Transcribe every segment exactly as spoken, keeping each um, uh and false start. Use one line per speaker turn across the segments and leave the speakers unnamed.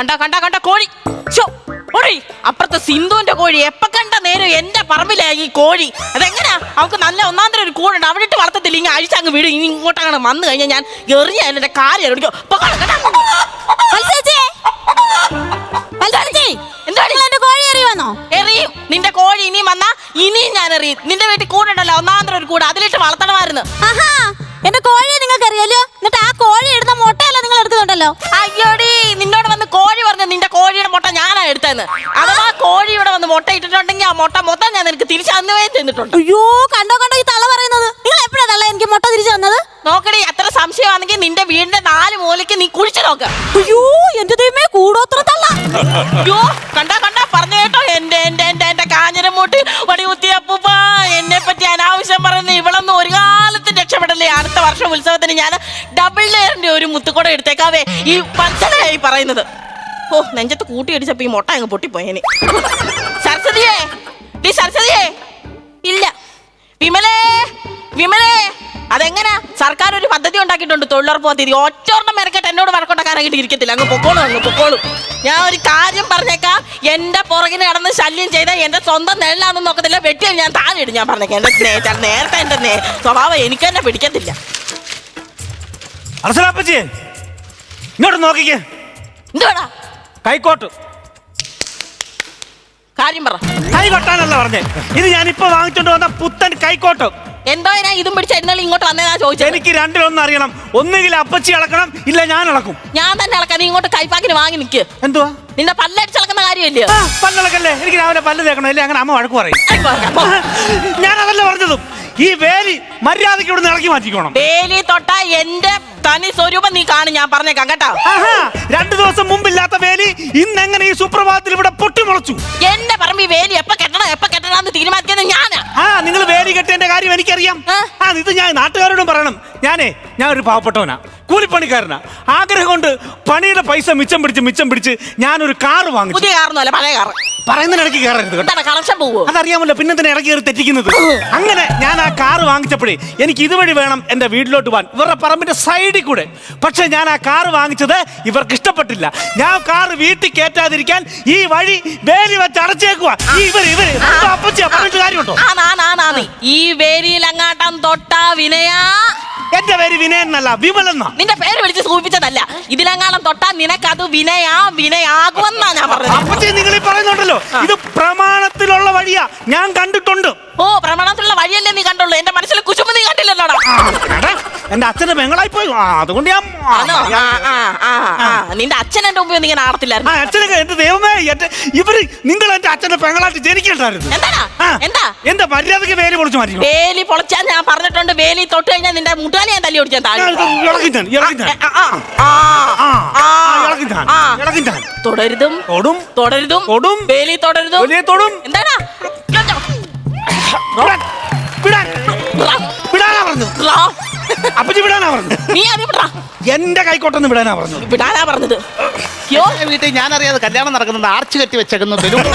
കണ്ട കണ്ട കണ്ട കോഴി ഓടി അപ്പുറത്തെ സിന്ധുവിന്റെ കോഴി എപ്പ കണ്ട നേരം എന്റെ പറമ്പിലാ ഈ കോഴി. അതെങ്ങനെയാ അവൾക്ക് നല്ല ഒന്നാന്തരം ഒരു കൂടുണ്ട് അവിടെ ഇട്ട് വളർത്തത്തില്ല. ഇങ്ങനെ അഴിച്ചങ്ങ് വീട് ഇനി ഇങ്ങോട്ടങ്ങനെ വന്നു കഴിഞ്ഞാൽ ഞാൻ എറിഞ്ഞ എന്റെ കാര്യം എറിഞ്ഞോ. എറിയും നിന്റെ കോഴി ഇനിയും വന്നാ ഇനിയും ഞാൻ എറിയും. നിന്റെ വീട്ടിൽ കൂടുണ്ടല്ലോ ഒന്നാന്തരം ഒരു കൂട് അതിലിട്ട് വളർത്തണമായിരുന്നു.
എന്റെ കോഴിയെ നിങ്ങൾക്ക് അറിയാലോ. എന്നിട്ട് ആ കോഴി എടുത്ത മുട്ടയല്ല നിങ്ങൾ എടുക്കുന്നുണ്ടല്ലോ.
അയ്യോടി നിന്നോട് വന്ന് കോഴി പറഞ്ഞു നിന്റെ കോഴിയുടെ മുട്ട ഞാനാ എടുത്തതെന്ന്. അഥവാ കോഴി ഇവിടെ വന്ന് മുട്ട ഇട്ടിട്ടുണ്ടെങ്കിൽ ആ മുട്ട മൊത്തം ഞാൻ നിനക്ക് തിരിച്ചു തന്നുവേ തന്നിട്ടുണ്ട്.
അയ്യോ കണ്ടോ കണ്ടോ ഈ തള്ള പറയുന്നത്. നിങ്ങൾ എപ്പോഴാ തള്ള എനിക്ക് മുട്ട തിരിച്ചു തന്നത്?
നോക്കടി അത്ര സംശയമാണെങ്കിൽ നിന്റെ വീടിന്റെ നാല് മൂലയ്ക്ക് നീ കുഴിച്ചു നോക്ക.
അയ്യോ എന്റെ ദൈവമേ കൂടോത്ര തള്ള.
അയ്യോ കണ്ടാ കണ്ടാ പറഞ്ഞു കേട്ടോ എന്റെ എന്റെ എന്റെ എന്റെ കാഞ്ഞിരമൂട്ട് വടികുത്തിയപ്പൂപ്പ എന്നെ പറ്റി അനാവശ്യം പറയുന്ന ഇവളൊന്നും ഒരു കാലത്തും രക്ഷപ്പെടല്ലേ. അടുത്ത വർഷം ഉത്സവത്തിന് ഞാൻ ഡബിൾ ലെയറിന്റെ ഒരു മുത്തുക്കൂട എടുത്തേക്കാവേ. ഈ പഞ്ചനായി പറയുന്നത്. ഓ നെഞ്ചത്ത് കൂട്ടി അടിച്ചപ്പോ ഈ മുട്ട അങ്ങ് പൊട്ടിപ്പോയേനെ. സരസ്വതിയേ ഡീ സരസ്വതിയേ ഇല്ല. വിമലേ വിമലേ അതെങ്ങനെ സർക്കാർ ഒരു പദ്ധതി ഉണ്ടാക്കിയിട്ടുണ്ട് തൊഴിലുറപ്പ് പദ്ധതി. ഒറ്റോർണ്ണം മെനക്കെട്ട് എന്നോട് വഴക്കുണ്ടാക്കാനായിട്ട് ഇരിക്കത്തില്ല. അങ്ങ് പൊക്കോളും അങ്ങ് പൊക്കോളും. ഞാൻ ഒരു കാര്യം പറഞ്ഞേക്കാം. എന്റെ പുറകിന് നടന്ന് ശല്യം ചെയ്താൽ എന്റെ സ്വന്തം നെല്ലാണെന്ന് നോക്കത്തില്ല. വെട്ടിയാൽ ഞാൻ താഴെ ഇടും. ഞാൻ പറഞ്ഞേക്കാം എന്റെ നേരത്തെ എന്റെ സ്വഭാവം എനിക്ക് തന്നെ പിടിക്കത്തില്ല.
ഇങ്ങോട്ട് നോക്കിക്കേ.
എന്തുവാടാ
കൈക്കോട്ട്
കാര്യം പറ.
കൈ കൊട്ടാനല്ല പറഞ്ഞേ. ഇത് ഞാൻ ഇപ്പൊ വാങ്ങിച്ചോണ്ട് വന്ന പുത്തൻ കൈക്കോട്ട്.
എന്തോ ഞാൻ ഇതും പിടിച്ച എന്നാലും ഇങ്ങോട്ട് വന്നേതാ ചോദിച്ചത്.
എനിക്ക് രണ്ടിലൊന്നും അറിയണം. ഒന്നുകിൽ അപ്പച്ചി ഇളക്കണം ഇല്ല ഞാൻ ഇളക്കും.
ഞാൻ തന്നെ ഇളക്കാം. നീ ഇങ്ങോട്ട് കൈപ്പാക്കിന് വാങ്ങി നിൽക്ക്.
എന്തുവാ
നിന്റെ പല്ലടിച്ചിളക്കുന്ന കാര്യമല്ലേ?
പല്ലിളക്കല്ലേ. എനിക്ക് രാവിലെ പല്ല് തേക്കണം അല്ലേ അങ്ങനെ അമ്മ വഴക്ക് പറയും. ഞാൻ അതല്ല പറഞ്ഞതും. ഈ വേലി മര്യാദയ്ക്ക് ഇവിടുന്ന് ഇളക്കി മാറ്റിക്കോണം.
വേലി തൊട്ടാ എന്റെ തനി സ്വരൂപം നീ കാണും. ഞാൻ പറഞ്ഞേക്കാം കേട്ടോ.
രണ്ടു ദിവസം മുമ്പില്ലാത്ത വേലി ഇന്നെങ്ങനെ ഈ സുപ്രഭാതത്തിൽ ഇവിടെ പൊട്ടിമുളച്ചു?
എന്റെ പറമ്പ് ഈ വേലി എപ്പ കെട്ടണം എപ്പ കെട്ടണമെന്ന് തീരുമാനിക്കുന്നത് ഞാനാ.
ആ നിങ്ങൾ വേലി കെട്ടേണ്ട കാര്യം എനിക്കറിയാം. ആ ഇത് ഞാൻ നാട്ടുകാരോടും പറയണം. ഞാനേ ഞാൻ ഒരു പാവപ്പെട്ടവനാ, കൂലിപ്പണിക്കാരനാ. ആഗ്രഹം കൊണ്ട് പണിയുടെ പൈസ മിച്ചം പിടിച്ച് മിച്ചം പിടിച്ച് ഞാനൊരു കാറ് വാങ്ങിച്ചു.
പുതിയ കാറൊന്നും അല്ല പഴയ കാറ്.
പറയുന്നതിന് ഇടയ്ക്ക് കയറരുത് കേട്ടോ.
കണക്ഷൻ പോവോ
അതറിയാമല്ലോ. പിന്നെ തന്നെ ഇടയ്ക്ക് കയറി തെറ്റിക്കുന്നത്. അങ്ങനെ ഞാൻ ആ കാറ് വാങ്ങിച്ചപ്പോഴേ എനിക്ക് ഇതുവഴി വേണം എന്റെ വീട്ടിലോട്ട് പോകാൻ, ഇവരുടെ പറമ്പിന്റെ സൈഡിൽ കൂടെ. പക്ഷെ ഞാൻ ആ കാറ് വാങ്ങിച്ചത് ഇവർക്ക് ഇഷ്ടപ്പെട്ടില്ല. ഞാൻ കാറ് വീട്ടിൽ കയറ്റാതിരിക്കാൻ ഈ വഴി വേലി വെച്ച് അടച്ചേക്കുവാ. ഇവര് ഇവര് അപ്പച്ചിയാ പറഞ്ഞിട്ട് കാര്യമുണ്ടോ?
ഈ വേലിയിൽ അങ്ങാട്ടം തൊട്ടാ വിനയാ.
എന്റെ പേര് വിനയൻ എന്നല്ല വിമലെന്നാ.
നിന്റെ പേര് വിളിച്ച് സൂചിപ്പിച്ചതല്ല. ഇതിലെങ്ങാനും തൊട്ടാ നിനക്കത് വിനയാ വിനയാകുമെന്നാ ഞാൻ പറഞ്ഞത്.
അപ്പച്ചി നിങ്ങൾ ഈ പറയുന്നുണ്ടല്ലോ ഇത് പ്രമാണത്തിലുള്ള വഴിയാ. ഞാൻ കണ്ടിട്ടുണ്ട്.
ഓ പ്രമാണത്തിലുള്ള വഴിയല്ലേ നീ കണ്ടുള്ളൂ. എന്റെ മനസ്സിൽ കുശുമ്പ് നീ കണ്ടില്ലല്ലോടാ.
എന്റെ അച്ഛന്റെ പെങ്ങളായി പോയി. അതുകൊണ്ട് ഞാൻ
നിന്റെ അച്ഛൻ എന്റെ മുമ്പ് നീ ആടത്തില്ലായിരുന്നു.
അച്ഛനൊക്കെ എന്റെ ദൈവമേ ഇവര് നിങ്ങൾ എന്റെ അച്ഛന്റെ പെങ്ങളായിട്ട് ജനിക്കണ്ടായിരുന്നു.
എന്താ എന്താ
എന്റെ മര്യാദക്ക് വേലി പൊളിച്ചു മാറ്റി.
വേലി പൊളിച്ചാൽ ഞാൻ പറഞ്ഞിട്ടുണ്ട്. വേലി തൊട്ട് കഴിഞ്ഞാൽ നിന്റെ മുട്ടാലി ഞാൻ തല്ലി ഓടിച്ചാൽ തുടരുതും
തൊടും
തുടരുതും
തൊടും
വേലി തുടരുതും
തൊടും.
എന്താടാ
വിടാനാ പറഞ്ഞു. അപ്പച്ചി വിടാനാ പറഞ്ഞു.
നീ അത് വിടാ.
എന്റെ കൈക്കോട്ടൊന്ന് വിടാനാ പറഞ്ഞു.
വിടാനാ പറഞ്ഞത്.
വീട്ടിൽ ഞാൻ അറിയാതെ കല്യാണം നടക്കുന്നുണ്ട്. ആർച്ച് കെട്ടി വെച്ചേക്കുന്നു.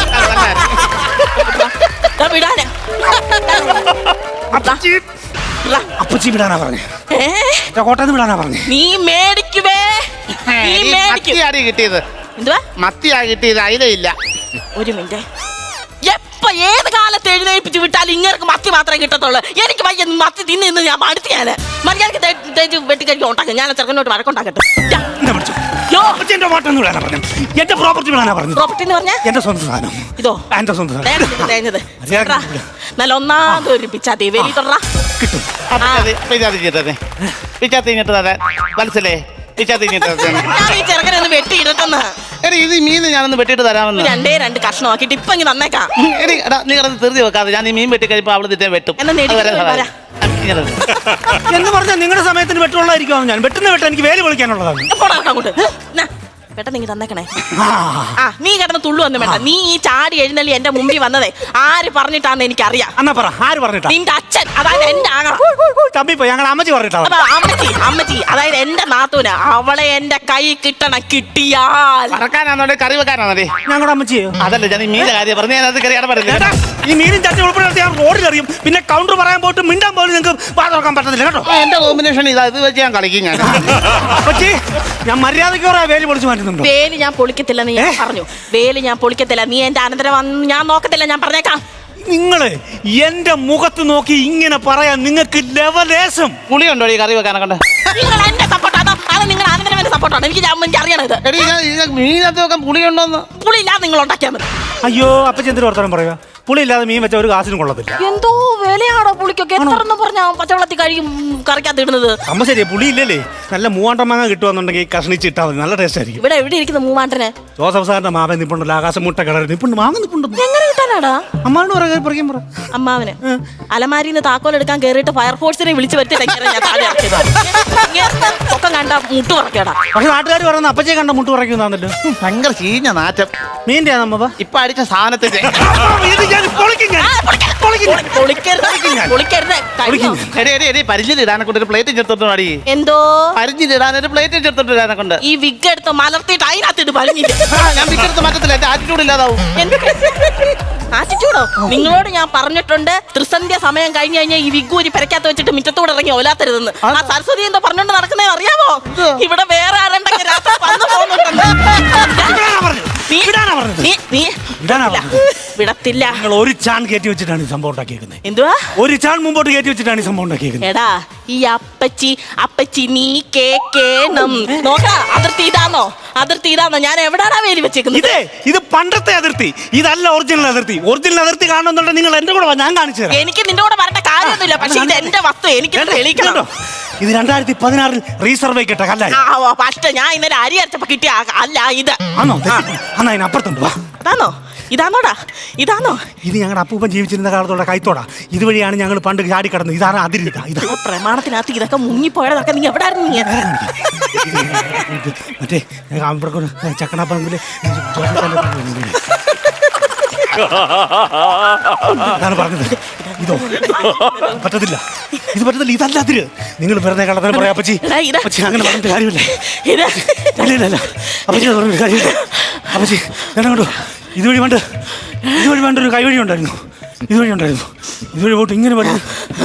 അപ്പച്ചി വിടാനാ പറഞ്ഞു. കോട്ടന്ന് വിടാനാ പറഞ്ഞു.
നീ മേടിക്കുവേ.
മത്തിയാടി കിട്ടിയത്.
എന്തുവാ
മത്തിയാ കിട്ടിയത്? അയിലയില്ല.
ഒരു മിനിറ്റ്. എപ്പ ഏത് കാലത്ത് എഴുന്നേൽപ്പിച്ച് വിട്ടാലും ഇങ്ങനെ മത്തി മാത്രമേ കിട്ടത്തുള്ളൂ. എനിക്ക് വയ്യ മത്തി തിന്ന് ഇന്ന് ഞാൻ മടുത്ത്. ഞാൻ മര്യാദക്ക് തേച്ച് വെട്ടിക്കരിക്കാൻ ഉണ്ടാക്കാം. ഞാൻ ചെറുക്കനോട്ട് വഴക്കുണ്ടാക്കട്ടെ.
എന്റെ പ്രോപ്പർട്ടി വിടാനാ പറഞ്ഞു.
പ്രോപ്പർട്ടി എന്ന് പറഞ്ഞാൽ
എന്റെ സ്വന്തം സാധനം.
ഇതോ
എന്റെ സ്വന്തം
തേഞ്ഞത് നല്ല ഒന്നാമത് ഒരു പിച്ചാത്തി വേലി തൊടാ
കിട്ടും.
മനസ്സിലേ
ചെറുക്കനെ ഒന്ന് വെട്ടി ഇടട്ടെന്ന്.
എടി ഇത് മീൻ ഞാനൊന്ന് വെട്ടിയിട്ട് തരാമെന്ന്.
രണ്ടേ രണ്ട് കഷ്ണമാക്കിട്ട് ഇപ്പൊ ഇങ്ങനെ തന്നേക്കാം.
എടി എടാ നീ കിടന്ന് ധൃതി വെക്കാതെ ഞാൻ ഈ മീൻ വെട്ടി കഴിയുമ്പോ അവള് തിറ്റേ വെട്ടും
എന്ന് പറഞ്ഞാൽ നിങ്ങളുടെ സമയത്തിന് വെട്ടുള്ളതായിരിക്കും. ഞാൻ വെട്ടുന്ന വെട്ട എനിക്ക് വേലി വിളിക്കാനുള്ളതാണ്.
അങ്ങോട്ട് പെട്ടെന്ന് നീ തന്നേക്കണേ. ആ നീ കിടന്ന് തുള്ളു വന്നു വേണ്ട. നീ ഈ ചാടി എഴുന്നള്ളി എന്റെ മുമ്പിൽ വന്നതേ ആര് പറഞ്ഞിട്ടാന്ന് എനിക്കറിയാം.
എന്നാ പറ ആര് പറഞ്ഞിട്ടാ?
നിന്റെ അച്ഛൻ, അതായത് എന്റെ ആങ്ങള.
തമ്മിപ്പോ ഞങ്ങൾ അമ്മച്ചി പറഞ്ഞിട്ടാ.
അമ്മച്ചി അമ്മച്ചി അതായത് എന്റെ നാത്തൂന. അവളെ എന്റെ കൈ കിട്ടണം. കിട്ടിയാൽ
പറക്കാനാണോ കറി വെക്കാനാണോ?
ഞങ്ങളുടെ അമ്മച്ചിയോ?
അതല്ല ഞാൻ ഈ മീനിന്റെ കാര്യം പറഞ്ഞു. ഞാൻ അത് കറി പറഞ്ഞില്ല.
ഈ മീനും ചട്ടി ഉൾപ്പെടെ ഞാൻ റോഡിൽ അറിയും. പിന്നെ കൗണ്ടർ പറയാൻ പോയിട്ട് മിണ്ടാൻ പോലും നിങ്ങൾക്ക് വാ തുറക്കാൻ പറ്റത്തില്ല കേട്ടോ.
ആ, എന്റെ കോമ്പിനേഷൻ ഇതാ, ഇത് വെച്ച് ഞാൻ കളിക്കും ഞാൻ.
പക്ഷേ ഞാൻ മര്യാദയ്ക്ക് പറയാ വേലി പൊളിച്ചു മാറ്റുന്നുണ്ടോ?
വേലി ഞാൻ പൊളിക്കത്തില്ല നീ പറഞ്ഞു. വേലി ഞാൻ പൊളിക്കത്തില്ല. നീ എന്റെ അനന്തരം വന്ന് ഞാൻ നോക്കത്തില്ല. ഞാൻ പറഞ്ഞേക്കാം.
നിങ്ങള് എന്റെ മുഖത്ത് നോക്കി ഇങ്ങനെ പറയാൻ നിങ്ങൾക്ക് ലെവലേശം
പുളിയുണ്ടോ ഈ കറി വെക്കാനൊക്കെ?
നിങ്ങൾ എന്റെ സപ്പോർട്ടാണോ അത് നിങ്ങൾ അനന്തരം എന്റെ സപ്പോർട്ടാണ്? എനിക്ക് ഞാൻ- എനിക്ക് അറിയണത്
എടീ, ഞാൻ- ഇത് മീനകത്ത് വെക്കാൻ പുളിയുണ്ടോന്ന്?
പുളിയില്ലാതെ നിങ്ങൾ ഉണ്ടാക്കിയാൽ മതി.
അയ്യോ അപ്പൊ എന്തൊരു വർത്തമാനം പറയാ? പുളി ഇല്ലാതെ മീൻ വെച്ച ഒരു കാശിനും കൊള്ളത്തില്ല.
എന്തോ വിലയാണോ പുളിക്കൊക്കെ? എത്ര എന്ന് പറഞ്ഞാ പച്ചവെള്ളത്തിൽ കഴിയും കറിക്കകത്ത് ഇടുന്നത്?
അമ്മ ശരിയാ, പുളി ഇല്ലല്ലേ? നല്ല മൂവാണ്ടം മാങ്ങ കിട്ടുവാന്നുണ്ടെങ്കിൽ കഷ്ണിച്ച് ഇട്ടാൽ മതി, നല്ല ടേസ്റ്റ് ആയിരിക്കും.
ഇവിടെ എവിടെ ഇരിക്കുന്ന മൂവാണ്ടനെ?
ജോസഫ് സാറിന്റെ മാവൻ നിപ്പുണ്ടല്ലോ, ആകാശം മുട്ട കളർ നിപ്പുണ്ട്, മാങ്ങ നിപ്പുണ്ട്.
എങ്ങനെ കിട്ടാനാടാ?
അമ്മാവോട് പറയാൻ പറയാൻ പറ.
അമ്മാവന് അലമാരിന്ന് താക്കോൽ എടുക്കാൻ കേറിയിട്ട് ഫയർഫോഴ്സിനെ വിളിച്ചു വരുത്തി ഞാൻ താഴെ ഇറക്കിയതാ. ഇങ്ങനത്തെ ഒക്കെ കണ്ട മുട്ടു പറക്കേടാ.
പക്ഷെ നാട്ടുകാർ പറയുന്ന അപ്പച്ചയെ കണ്ട മുട്ട് പറയുന്നതാണല്ലോ.
ഭയങ്കര ചീഞ്ഞ നാറ്റം.
മീൻ്റെ നമ്മ
ഇപ്പൊ അടിച്ച സാധനത്തിന്റെ പരിചിലിടാനെ കൊണ്ട് ഒരു പ്ലേറ്റ് ചേർത്തോട്ട് അടി.
എന്തോ
പരിചിലിടാൻ ഒരു പ്ലേറ്റ് ചേർത്തോട്ട് ഇടാനെ കൊണ്ട്
ഈ വിഗ് എടുത്ത് മലർത്തിയിട്ട് അതിനകത്തിട്ട് പഴിഞ്ഞില്ല.
ഞാൻ വിക്കെടുത്ത് മാറ്റത്തില്ല, എന്റെ ആറ്റിറ്റ്യൂഡ് ഇല്ലാതാവും.
ആറ്റിറ്റ്യൂഡോ? നിങ്ങളോട് ഞാൻ പറഞ്ഞിട്ടുണ്ട് ത്രിസന്ധ്യ സമയം കഴിഞ്ഞു കഴിഞ്ഞാൽ ഈ വിഗൂരി പെരക്കകത്ത് വെച്ചിട്ട് മുറ്റത്തൂടെ ഇറങ്ങി ഒലാത്തരുതെന്ന്. ആ സരസ്വതി എന്തോ പറഞ്ഞോണ്ട് നടക്കുന്നേ അറിയാമോ? ഇവിടെ വേറെ ആരുണ്ടെങ്കിൽ രാത്രി വന്നു പോകുന്നുണ്ട്. വിടത്തില്ല.
നിങ്ങൾ ഒരു ചാൺ കയറ്റി വെച്ചിട്ടാണ് ഈ സംഭവം ഉണ്ടാക്കിയേക്കുന്നത്.
എന്തുവാ?
ഒരു ചാൺ മുമ്പോട്ട് കയറ്റി വെച്ചിട്ടാണ് ഈ സംഭവം ഉണ്ടാക്കിയേക്കുന്നത്.
എടാ ഈ അപ്പച്ചി അപ്പച്ചി നീ കേക്കേണം നോക്ക. അതിർത്തി ഇതാണോ? അതിർത്തി ഇതാണോ? ഞാൻ എവിടാണ് വേലി വെച്ചേക്കുന്നത്?
ഇതേ ഇത് പണ്ടത്തെ അതിർത്തി, ഇതല്ല ഒറിജിനൽ അതിർത്തി. ഒറിജിനൽ അതിർത്തി കാണുന്നുണ്ടെങ്കിൽ നിങ്ങൾ എന്റെ കൂടെ വാ, ഞാൻ കാണിച്ചു തരാം.
എനിക്ക് നിന്റെ കൂടെ വരേണ്ട കാര്യമൊന്നുമില്ല. പക്ഷെ ഇത് എന്റെ വസ്തു, എനിക്ക് തെളിയിക്കണം.
ഇത് രണ്ടായിരത്തി പതിനാറിൽ റീസർവ് കിട്ട കല്ലായി.
പക്ഷെ ഞാൻ ഇന്നലെ അരി അരച്ചപ്പോ കിട്ടിയ അല്ല ഇത്.
ആണോ? എന്നാ അതിനപ്പുറത്തുണ്ട് വാ.
അതാണോ? ഇതാണോടാ? ഇതാണോ?
ഇത് ഞങ്ങളുടെ അപ്പൂപ്പൻ ജീവിച്ചിരുന്ന കാലത്തോടെ കൈത്തോടാ. ഇതുവഴിയാണ് ഞങ്ങൾ പണ്ട് ചാടി കടന്നത്. ഇതാണ് അതിരി. ഇതാ
പ്രമാണത്തിനകത്ത് ഇതൊക്കെ മുങ്ങിപ്പോയതൊക്കെ നീ എവിടെ ആയിരുന്നു? നീ
മറ്റേ ചക്കണപ്പറമ്പില് അതാണ് പറഞ്ഞത്. ഇതോ പറ്റത്തില്ല, ഇത് പറ്റത്തില്ല, ഇതല്ല അതിര്. നിങ്ങൾ വെറുതെ കള്ളത്തരം പറയാ അപ്പച്ചി. അപ്പച്ചി അങ്ങനെ പറഞ്ഞിട്ട് കാര്യമില്ല. ഇല്ല അപ്പച്ചി പറഞ്ഞിട്ട് കാര്യമില്ല. അപ്പച്ചി ഞാൻ കണ്ടു ഇതുവഴി വേണ്ട, ഇതുവഴി വേണ്ട ഒരു കൈവഴി ഉണ്ടായിരുന്നു. ഇതുവഴി ഉണ്ടായിരുന്നു. ഇതുവഴി പോയിട്ട് ഇങ്ങനെ പറഞ്ഞു.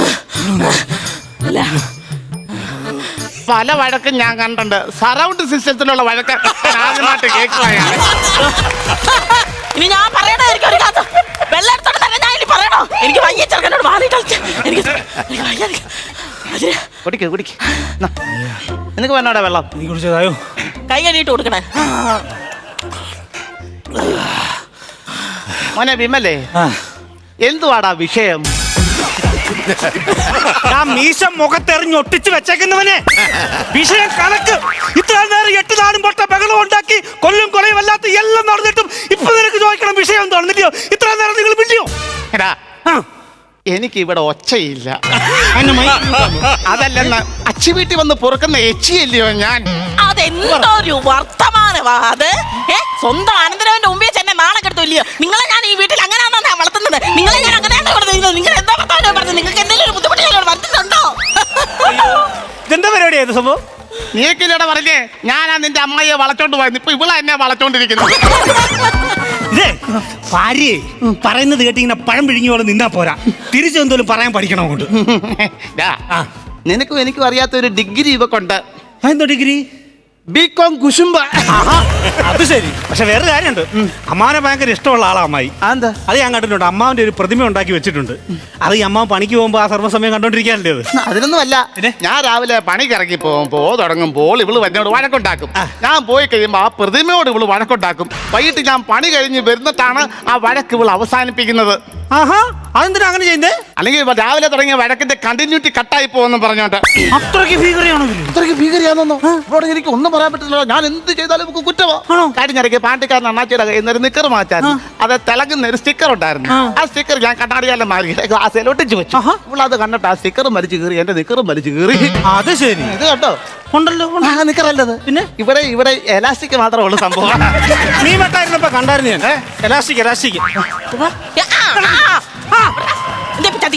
പല വഴക്കും ഞാൻ കണ്ടിട്ടുണ്ട്. സറൗണ്ട് സിസ്റ്റത്തിലുള്ള വഴക്ക് ആദ്യമായിട്ട് കേൾക്കുകയാണ്.
ഇനി ഞാൻ പറയണായിരിക്കും ഒരു കാര്യം. വെള്ളം എടുത്തോണ്ട് ഞാൻ ഇനി പറയണോ? എനിക്ക് വയ്യ ചെറുക്കനോട് മാറി കളിച്ച്. എനിക്ക്
കുടിക്ക് കുടിക്ക്. നിനക്ക് വേണോടാ വെള്ളം?
നീ കുടിച്ചതായോ?
കൈ കഴുകിയിട്ട് കൊടുക്കണേ.
മോനെ വിമലേ, എന്തുവാടാ വിഷയം?
ഞാൻ മീശ മുഖത്തെറിഞ്ഞ് ഒട്ടിച്ച് വെച്ചേക്കുന്നവനെ വിഷയം കണക്ക്. ഇത്ര നേരം എട്ട് നാടും പൊട്ട ബഹളം ഉണ്ടാക്കി കൊല്ലും കൊലയും അല്ലാത്ത എല്ലാം നടന്നിട്ടും ഇപ്പൊ നിനക്ക് ചോദിക്കണം വിഷയം എന്താണെന്നില്ലയോ? ഇത്ര നേരം നിങ്ങൾ മിണ്ടിയോ?
എടാ, എനിക്ക് ഇവിടെ ഒച്ചയില്ല. അതല്ലെന്ന് അച്ചി വീട്ടിൽ വന്ന് പൊറുക്കുന്ന എച്ചിയല്ലയോ ഞാൻ?
അതെന്തൊരു വർത്തമാനമാ അത്? ഏ സ്വന്തം അനന്തരവന്റെ മുമ്പേ ചെന്നെ നാളെ കെടുത്തില്ലയോ? നിങ്ങളെ ഞാൻ ഈ വീട്ടിൽ അങ്ങനെയാണോ വളർത്തുന്നത്? നിങ്ങളെ ഞാൻ അങ്ങനെയാണ് വളർത്തുന്നത്? നിങ്ങൾ എന്താ വർത്തമാനം പറഞ്ഞത്? നിങ്ങൾക്ക് എന്തെങ്കിലും ഒരു ബുദ്ധിമുട്ട് ഞാൻ വരുത്തുന്നുണ്ടോ?
ഇതെന്താ പരിപാടിയായത് സംഭവം?
നീക്കില്ലടെ പറഞ്ഞേ, ഞാനാ നിന്റെ അമ്മയെ വളച്ചോണ്ട് പോയത്. ഇപ്പൊ ഇവളെ എന്നെ വളച്ചോണ്ടിരിക്കുന്നു.
ഇതേ ഭാര്യയെ പറയുന്നത് കേട്ട് ഇങ്ങനെ പഴം പിഴുങ്ങി പോലെ നിന്നാ പോരാ, തിരിച്ചെന്തോലും പറയാൻ പഠിക്കണം. കൊണ്ട്
നിനക്കും എനിക്കും അറിയാത്ത ഒരു ഡിഗ്രി ഇവക്കുണ്ട്.
എന്തോ ഡിഗ്രി?
ബികോം കുശുംബ.
അത് ശരി. പക്ഷെ വേറെ കാര്യമുണ്ട്, അമ്മാവനെ ഭയങ്കര ഇഷ്ടമുള്ള ആളാ അമ്മായി.
എന്താ?
അത് ഞാൻ കണ്ടിട്ടുണ്ട്. അമ്മാവന്റെ ഒരു പ്രതിമ ഉണ്ടാക്കി വെച്ചിട്ടുണ്ട്. അത് ഈ അമ്മാവൻ പണിക്ക് പോകുമ്പോ ആ സർവ്വസമയം കണ്ടോണ്ടിരിക്കാനല്ലേ അത്?
അതിനൊന്നും അല്ല. ഞാൻ രാവിലെ പണിക്ക് ഇറങ്ങി പോകുമ്പോ തുടങ്ങുമ്പോൾ ഇവള് എന്നോട് വഴക്കുണ്ടാക്കും. ഞാൻ പോയി കഴിയുമ്പോ ആ പ്രതിമയോട് ഇവള് വഴക്കുണ്ടാക്കും. വൈകിട്ട് ഞാൻ പണി കഴിഞ്ഞ് വരുന്നിട്ടാണ് ആ വഴക്ക് ഇവള് അവസാനിപ്പിക്കുന്നത്.
ആഹാ, അതെന്തിനാ അങ്ങനെ ചെയ്യുന്നേ?
അല്ലെങ്കിൽ രാവിലെ തുടങ്ങിയ വഴക്കിന്റെ കണ്ടിന്യൂറ്റി കട്ടായി പോകുമെന്ന് പറഞ്ഞോണ്ട്.
അത്രയ്ക്ക് ഭീകരയാണോ?
അത്രയ്ക്ക് ഭീകരയാണെന്നോ? ഇവിടെ എനിക്ക് ഒന്നും പറയാൻ പറ്റില്ല. ഞാൻ എന്ത് ചെയ്താലും നമുക്ക് കുറ്റമോ? കഴിഞ്ഞിടയ്ക്ക് പാണ്ടിക്കാരൻ അണ്ണാച്ചിയുടെ കയ്യിൽ നിന്ന് ഒരു നിക്കർ മാറ്റാൻ അത് തിളങ്ങുന്ന ഒരു സ്റ്റിക്കർ ഉണ്ടായിരുന്നു. ആ സ്റ്റിക്കർ ഞാൻ കണ്ണാടിയാലും മാറി ഗ്ലാസ്സിൽ ഒട്ടിച്ചു വെച്ചു. ഇവളത് കണ്ടിട്ട് ആ സ്റ്റിക്കറും വലിച്ചു കീറി, എന്റെ നിക്കറും വലിച്ചു കീറി.
അത് ശരി.
ഇത് കേട്ടോ
ഉണ്ടല്ലോ
നിക്കറല്ലത്. പിന്നെ ഇവിടെ ഇവിടെ എലാസ്റ്റിക് മാത്രമേ ഉള്ളൂ സംഭവം.
നീ വെട്ടായിരുന്നപ്പോ കണ്ടായിരുന്നു ഞാൻ. എലാസ്റ്റിക് എലാസ്റ്റിക്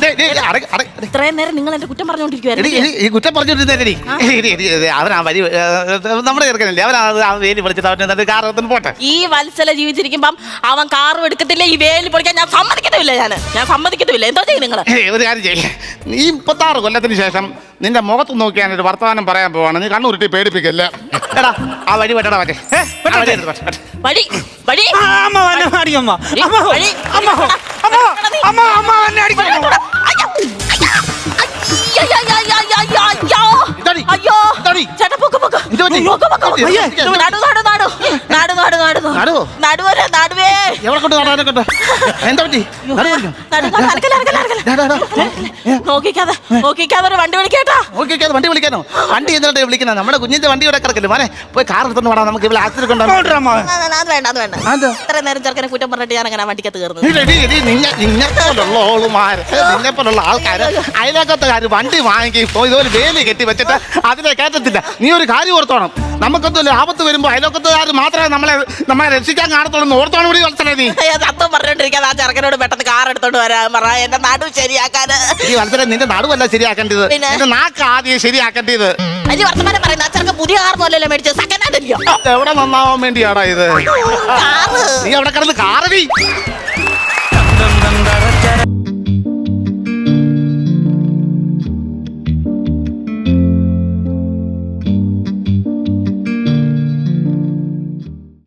ഇത്രയും നേരം നിങ്ങൾ എന്റെ കുറ്റം പറഞ്ഞുകൊണ്ടിരിക്കുവായിരുന്നു
ഈ കുറ്റം പറഞ്ഞോണ്ടിരുന്നേരി അവനാ വരി ഏ, നമ്മുടെ ചെറുക്കനല്ലേ അവൻ ആ വേലി വിളിച്ചിട്ട് അവൻ കാറത്തിന് പോട്ടെ.
ഈ വത്സല ജീവിച്ചിരിക്കുമ്പം അവൻ കാറും എടുക്കത്തില്ല, ഈ വേലി പൊളിക്കാൻ ഞാൻ സമ്മതിക്കത്തുമില്ല. ഞാൻ ഞാൻ സമ്മതിക്കത്തുമില്ല. എന്തോ ചെയ്യും നിങ്ങൾ?
ഏയ്, ഒരു കാര്യം ചെയ്യേ, നീ മുപ്പത്താറ് കൊല്ലത്തിന് ശേഷം നിന്റെ മുഖത്ത് നോക്കി ഞാനൊരു വർത്തമാനം പറയാൻ പോവാണ്. നീ കണ്ണുരുട്ടി പേടിപ്പിക്കല്ല. എടാ ആ വഴി വെട്ടടാ മറ്റേ
ഏ, വെട്ടട്ടെ.
ആ വഴി എടുത്ത് വെട്ട്, വെട്ട്.
വഴി വഴി
ആ, അമ്മ വന്നെ അടിക്കും അമ്മ. അമ്മ,
വഴി.
അമ്മ, അമ്മ, അമ്മ, അമ്മ വന്നെ അടിക്കും അമ്മ.
അയ്യോ, അയ്യോ, അയ്യോ, അയ്യോ, അയ്യോ, അയ്യോ.
ഇതാടി,
അയ്യോ.
ഇതാടി.
ചേട്ടാ, പൊക്ക്, പൊക്ക്.
എന്ത് പറ്റി?
പൊക്ക്, പൊക്ക്.
അയ്യേ.
നാടു, നാടു, നാടു. നാടു, നാടു, നാടു.
നടുവോ?
നടുവരെ, നടുവേ.
എവിടെ കൊണ്ട് നടാനെ കൊണ്ട് എന്താ പറ്റി? നടു പറിക്കോ?
നടു, നടു, അനക്കല, അനക്കല, അനക്കല.
ഡാ, ഡാ, ഡാ.
നോക്കിക്കാതെ നോക്കിക്കാതെ ഒരു വണ്ടി വിളിക്കേട്ടാ.
ഓക്കെ ഓക്കെ, വണ്ടി വിളിക്കാനോ? വണ്ടി എന്തിനാ വിളിക്കുന്നത്? നമ്മുടെ കുഞ്ഞിന്റെ വണ്ടി ഇവിടെ കിടക്കില്ല. മോനെ പോയി കാർ എടുത്തോണ്ട് വേണം, നമുക്ക് ഇവിടെ ആക്സിഡന്റ് ഉണ്ടാവും.
അങ്ങോട്ട് അമ്മ.
അത് വേണ്ട, അത് വേണ്ട.
അതെന്താ?
ഇത്ര നേരം ചെറുക്കനെ കുറ്റം പറഞ്ഞിട്ട് ഞാൻ അങ്ങനെ വണ്ടിക്കത്ത് കയറുന്നത്.
നിന്നെ പോലുള്ള ഓളുമാര്, നിന്നെ പോലുള്ള ആൾക്കാര് അയലോക്കത്തുകാര് വണ്ടി വാങ്ങി പോയി ഇതുപോലെ വേലി കെട്ടി വെച്ചിട്ട് അതിനെ കയറ്റത്തില്ല. നീ ഒരു കാര്യം ഓർത്തോണം, നമുക്കെന്തോ ആപത്ത് വരുമ്പോ അയലോക്കത്തുകാർ മാത്രമേ നമ്മളെ നമ്മളെ രക്ഷിക്കാൻ കാണത്തുള്ളൂ. ഓർത്തോണം കൂടി വത്സലേ നീ.
തത്വം പറഞ്ഞോണ്ടിരിക്കാതെ ആ ചെറുക്കനോട് പെട്ടെന്ന് കാർ എടുത്തോണ്ട് വരാൻ പറ, എന്റെ നടു ശരിയാക്കാന്.
ഈ വത്സലേ, നിന്റെ നടുവല്ല ശരിയാക്കേണ്ടത്,
പിന്നെ?
നിന്റെ നാക്ക് ആദ്യം ശരിയാക്കേണ്ടത്.
അഞ്ച് വർത്തമാനം പറയുന്നത്. ആ ചെറുക്കൻ പുതിയ കാർ പോലല്ലേ മേടിച്ചത്, സെക്കൻഡ് ഹാൻഡ് അല്ലയോ
എവിടെ നന്നാവാൻ വേണ്ടിയാടാ ഇത്?
കാറ്.
നീ അവിടെ കിടന്ന് കാറടി.